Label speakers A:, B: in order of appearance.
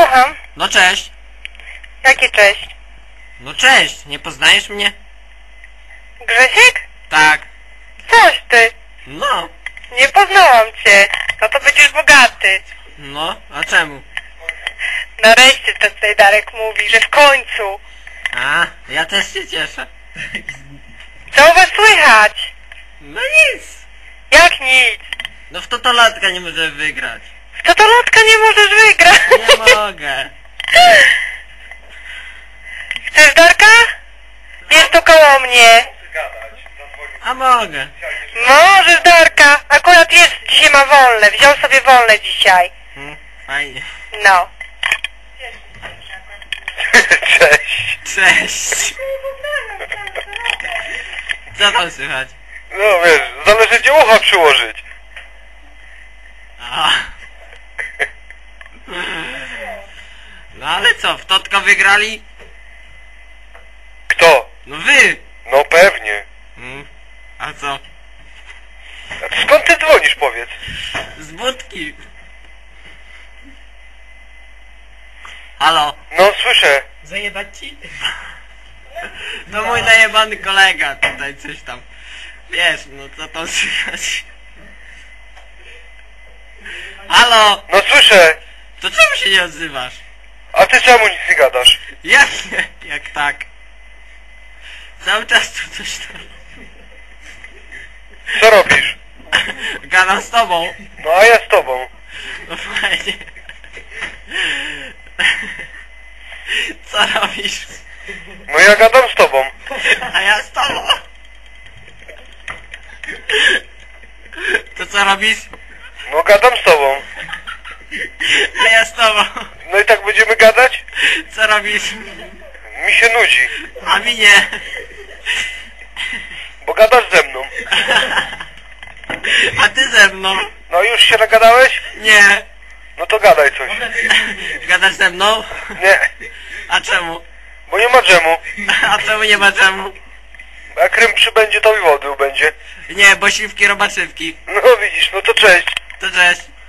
A: Słucham.
B: No cześć.
A: Jakie cześć?
B: No cześć, nie poznajesz mnie?
A: Grzesiek?
B: Tak.
A: Coś ty.
B: No.
A: Nie poznałam cię. No to będziesz bogaty.
B: No, a czemu?
A: Nareszcie ten tutaj Darek mówi, że w końcu.
B: A, ja też się cieszę.
A: Co u was słychać?
B: No nic.
A: Jak nic?
B: No w totolatka nie może wygrać.
A: W totolotka nie możesz wygrać.
B: Nie mogę.
A: Chcesz Darka? Jest tu koło mnie.
B: A mogę.
A: Możesz Darka. Akurat jest, dzisiaj ma wolne. Wziął sobie wolne dzisiaj.
B: Fajnie.
A: No.
C: Cześć.
B: Cześć. Co tam słychać?
C: No wiesz, zależy gdzie ucho przyłożyć.
B: A. No ale co, w Totka wygrali?
C: Kto?
B: No wy.
C: No pewnie.
B: A co?
C: A skąd ty dzwonisz, powiedz?
B: Z budki. Halo?
C: No słyszę.
B: Zajebać ci? To mój najebany kolega tutaj coś tam. Wiesz, no co tam słychać? Halo?
C: No słyszę.
B: To czemu się nie odzywasz?
C: A ty czemu nic nie gadasz?
B: Jak nie? Jak tak? Cały czas tu coś tam.
C: Co robisz?
B: Gadam z tobą.
C: No a ja z tobą.
B: No fajnie. Co robisz?
C: No ja gadam z tobą.
B: A ja z tobą. To co robisz?
C: No gadam z tobą.
B: A ja z tobą.
C: No i tak będziemy gadać?
B: Co robisz?
C: Mi się nudzi.
B: A mi nie.
C: Bo gadasz ze mną.
B: A ty ze mną?
C: No już się nagadałeś?
B: Nie.
C: No to gadaj coś.
B: Gadasz ze mną?
C: Nie.
B: A czemu?
C: Bo nie ma dżemu.
B: A czemu nie ma czemu?
C: Jak Krym przybędzie, to i wody będzie.
B: Nie, bo siwki robaczywki.
C: No widzisz, no to cześć.
B: To cześć.